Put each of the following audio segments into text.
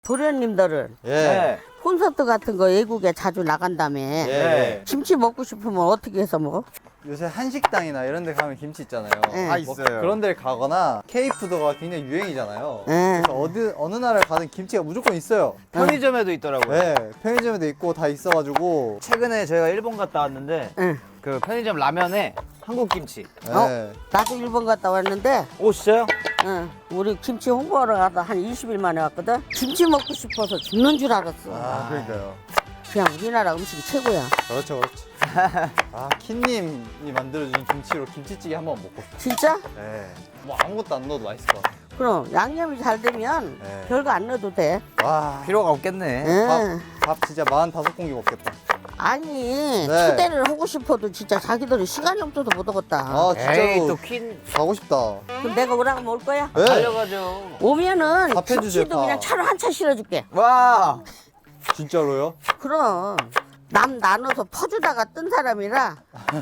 도련님들은 예. 콘서트 같은 거 외국에 자주 나간다며. 예. 김치 먹고 싶으면 어떻게 해서 먹어? 요새 한식당이나 이런 데 가면 김치 있잖아요. 예. 뭐 있어요. 그런 데를 가거나 K푸드가 굉장히 유행이잖아요. 예. 그래서 어느 나라를 가든 김치가 무조건 있어요. 편의점에도 있더라고요. 네, 편의점에도 있고 다 있어가지고. 최근에 저희가 일본 갔다 왔는데 응. 그 편의점 라면에 한국 김치. 네. 나도 일본 갔다 왔는데 오 진짜요? 응. 우리 김치 홍보하러 가다 한 20일 만에 왔거든. 김치 먹고 싶어서 죽는 줄 알았어. 아, 그러니까요. 그냥 우리나라 음식이 최고야. 그렇죠, 그렇죠. 아, 킴님이 만들어준 김치로 김치찌개 한번 먹고 싶어요. 진짜? 네. 뭐 아무것도 안 넣어도 맛있을 것 같아요. 그럼 양념이 잘 되면 네. 별거 안 넣어도 돼. 와, 필요가 없겠네. 응. 밥 진짜 45공기 먹겠다. 아니 네. 초대를 하고 싶어도 진짜 자기들이 시간이 없어서 못 오겠다. 아, 에이 진짜로 또 퀸 가고 싶다. 그럼 내가 오라고 하면 올 거야? 네. 달려가죠. 오면은 밥 해주세요, 김치도 밥. 그냥 차로 한 차 실어줄게. 와. 진짜로요? 그럼 남 나눠서 퍼주다가 뜬 사람이라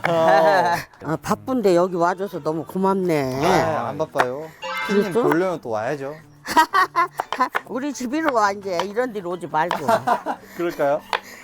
바쁜데 여기 와줘서 너무 고맙네. 아, 안 바빠요. 킴님 그랬어? 보려면 또 와야죠. 우리 집으로 와 이제 이런 데로 오지 말고. 그럴까요?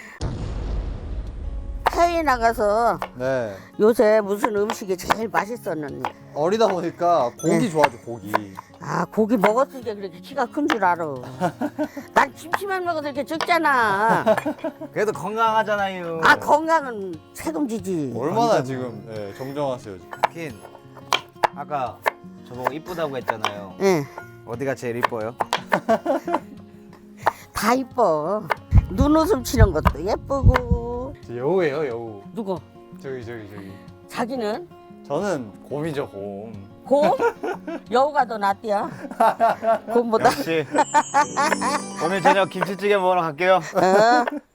해외 나가서 네. 요새 무슨 음식이 제일 맛있었는지. 어리다 보니까 고기 네. 좋아하죠, 고기. 아 고기 먹었으니까 그렇게 키가 큰 줄 알아. 난 김치만 먹어도 이렇게 적잖아. 그래도 건강하잖아요. 아 건강은 책임지지. 얼마나 지금 정정하세요, 지금. 퀸. 아까 저보고 이쁘다고 했잖아요. 예, 어디가 제일 이뻐요? 다 이뻐. 눈웃음 치는 것도 예쁘고. 저 여우예요, 여우. 누구? 저기. 자기는 저는 곰이죠, 곰. 곰? 여우가 더 낫디야. 곰보다. 역시. 오늘 저녁 김치찌개 먹으러 갈게요. 어?